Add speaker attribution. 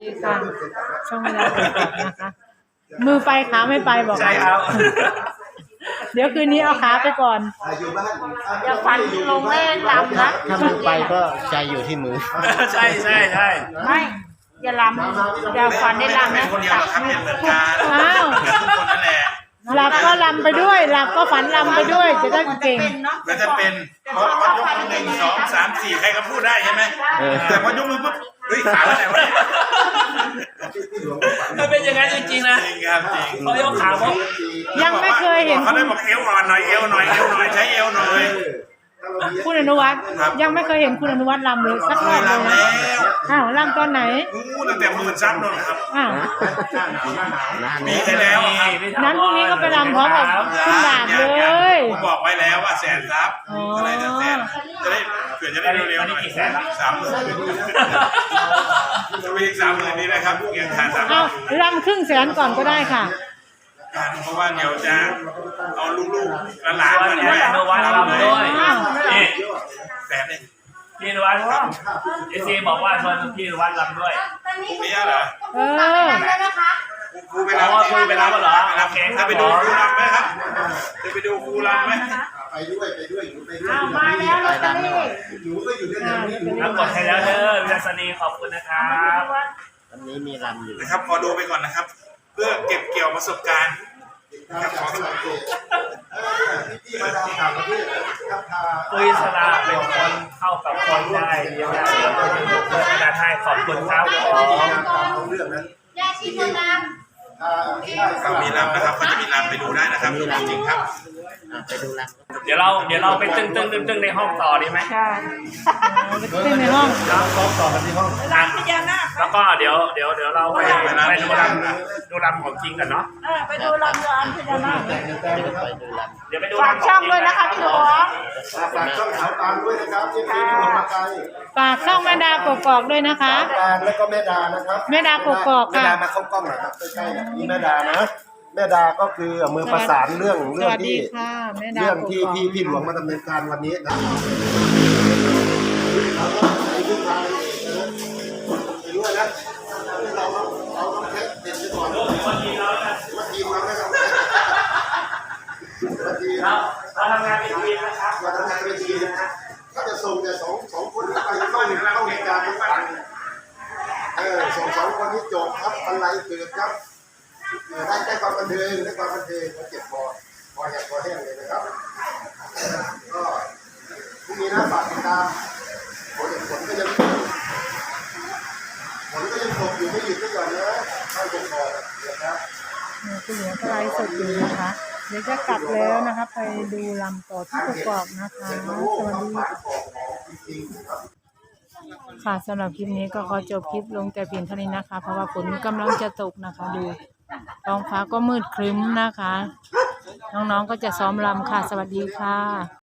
Speaker 1: ค่ะช่องเวลาตรวจสอบนะคะ มือไปขาไม่ไปบอก
Speaker 2: ใช่ครับ
Speaker 1: เดี๋ยวคืนนี้เอาขาไปก่อน
Speaker 3: อย่าฝันลงแม่ลำนะ
Speaker 4: ถ้ามือไปก็ใจอยู่ที่มือ
Speaker 2: ใช่ใช่ใช่
Speaker 3: ไม่อย่าลำอย่าฝันได้ลำ
Speaker 2: เป็
Speaker 3: นะ
Speaker 2: นคนเดียวหรอกครับเนี่ยเหมือนกัน
Speaker 1: อ้าว
Speaker 2: เหมือนทุกคนนั่นแหละ
Speaker 1: หลับก็ลำไปด้วย หลับก็ฝันลำไปด้วย จะได้เก่ง
Speaker 2: มันจะเป็นพอยกมือหนึ่งสองสามสี่ใครก็พูดได้ใช่ไหมแต่พอยกมือปุ๊บเฮ้ยขาไปไหนวะ
Speaker 5: มันเป็นอย่างนั้นจริงๆนะ
Speaker 2: จริงครับจริง
Speaker 5: เขายกขาเพราะ
Speaker 1: ยังไม่เคยเห็น
Speaker 2: เขาได้บอกเอวอ่อนหน่อยเอวหน่อยเอวหน่อยใช้เอวหน่อย
Speaker 1: คุณอนุวัฒน์ยังไม่เคยเห็นคุณอนุวัฒน์ลำเลยสักรอบเลย
Speaker 2: ลำ
Speaker 1: นะ
Speaker 2: แล้ว
Speaker 1: อ้าวลำตอนไหน
Speaker 2: งูตั้งแต่หมื่นซับนู่นครับ
Speaker 1: อ้าว
Speaker 2: มีไปแล้วครับ
Speaker 1: นั้นพรุ่งนี้ก็ไปรำพร้อมกับคุณดาบเลย
Speaker 2: ผมบอกไว้แล้วว่าแสนซับ
Speaker 1: อ๋ออ
Speaker 2: อะไรนะแสนจะได้เผื่อจะได้เร็วๆหน่อย30,000จะไปอีก30,000นี้นะครับเกียรติฐาน
Speaker 1: เอา
Speaker 2: 30,000
Speaker 1: รำครึ่งแสนก่อนก็ได้ค่ะ
Speaker 2: เพราะว่าเดี๋ยวจะเอาลูกๆหลาน
Speaker 5: ชวน
Speaker 2: มา
Speaker 5: พี่
Speaker 2: ด้วย
Speaker 5: นวัดรำด้วย
Speaker 1: อ้าว
Speaker 5: นี่
Speaker 2: แสนนี่
Speaker 5: พี่นวัดเอซีบอกว่าชวนพี่นวัดรำด้วย
Speaker 2: พรุ่งนี้เหรอ
Speaker 1: เออ
Speaker 2: ครูไป
Speaker 5: เพราะว่าคุยไปแล้วเหรอ
Speaker 2: รับ
Speaker 5: โอเคค
Speaker 2: จะ
Speaker 5: รับ
Speaker 2: ไป
Speaker 5: ผ
Speaker 2: ดู
Speaker 5: ม
Speaker 2: ครูรำไหมครับจะไปดูครูรำไหม
Speaker 4: ไปด้วยไปด้วยอยู่ไปด้วย
Speaker 3: เอามาแล้วลอตเตอรี่
Speaker 4: หนูก็อยู่ด้วยกันนี่หนู
Speaker 5: รับกดให้แล้วเด้อวิลาสนีขอบคุณนะครับ
Speaker 4: วันนี้มีรำอยู่
Speaker 2: นะครับขอดูไปก่อนนะครับ เพื่อเก็บเกี่ยวประสบการณ์นะครับขอ
Speaker 4: พี่มาดามต่างประเทศครับพา
Speaker 5: คุยสลาเป็นคนเข้ากับคนได้เรียนได้เพื่อนการให้ขอบคุณครับผม
Speaker 4: เรื่องนั้น
Speaker 3: ยาชีพนาม
Speaker 2: เขามีรำนะครับเขาจะมีรำไปดูได้นะครับจริงๆครับ
Speaker 4: ไปดูรำ
Speaker 5: เดี๋ยวเราไปตึ้งในห้องต่อดีไหม
Speaker 1: ใช่ไปเต้นในห้อง
Speaker 5: รำพญานาคแล้วก็เดี๋ยวเราไปดูรำของจริงกันเนาะ
Speaker 3: ไปดูลำเรืออันพญานาค
Speaker 4: ไปดูรำ
Speaker 5: เดี๋ยวไปดู
Speaker 3: ฝากช่องด้วยนะคะพี่หลวง
Speaker 4: ฝากช่องขาวตาลด้วยนะครับที่พี่ลงมาไกล
Speaker 1: ฝากช่องแม่ดากกอกด้วยนะคะ
Speaker 4: ตาลแล้วก็แม่ดานะครับ
Speaker 1: แม่ดากกอก
Speaker 4: แม่
Speaker 1: ค่ะ
Speaker 4: ดามาเข้ากล้องหน่อยครับใกล้ๆนี่แม่ดานะแม่ดาก็คือมือประสานเรื่อง
Speaker 1: สวัสดี
Speaker 4: ที่
Speaker 1: ค่ะแม่ดา
Speaker 4: เรื่อง
Speaker 1: ก
Speaker 4: ที่
Speaker 1: กอก
Speaker 4: พี่หลวงมาดำเนินการวันนี้นะไปด้วยนะเราต้องเช็คเด็ดไปก่อนวันทีเราไม่ทำวันที
Speaker 5: เราทำงานเป็นทีมนะครับ
Speaker 4: เราทำงานเป็นทีมนะถ้าจะส่งแต่สองคนนี้ไปเข้าเหตุการณ์ทุกวันสองคนนี้จบครับอะไรเกิดครับได้ความบันเทิงได้ความบันเทิงมาเจ็บพอแห้งพอแห้งเลยนะครับก็พรุ่งนี้นะฝากติดตามผลก็ยังตกอยู่ไม่หยุดไม่หย่อนนะเข้าจนพอนะครับ
Speaker 1: คุณหลวงก็ไลฟ์สดอยู่นะคะ เดี๋ยวจะกลับแล้วนะคะ ไปดูลำต่อที่กกอกนะคะ สวัสดีค่ะสำหรับคลิปนี้ก็ขอจบคลิปลงแต่เพียงเท่านี้นะคะ เพราะว่าฝนกำลังจะตกนะคะ ดูท้องฟ้าก็มืดครึ้มนะคะ น้องๆก็จะซ้อมรำค่ะ สวัสดีค่ะ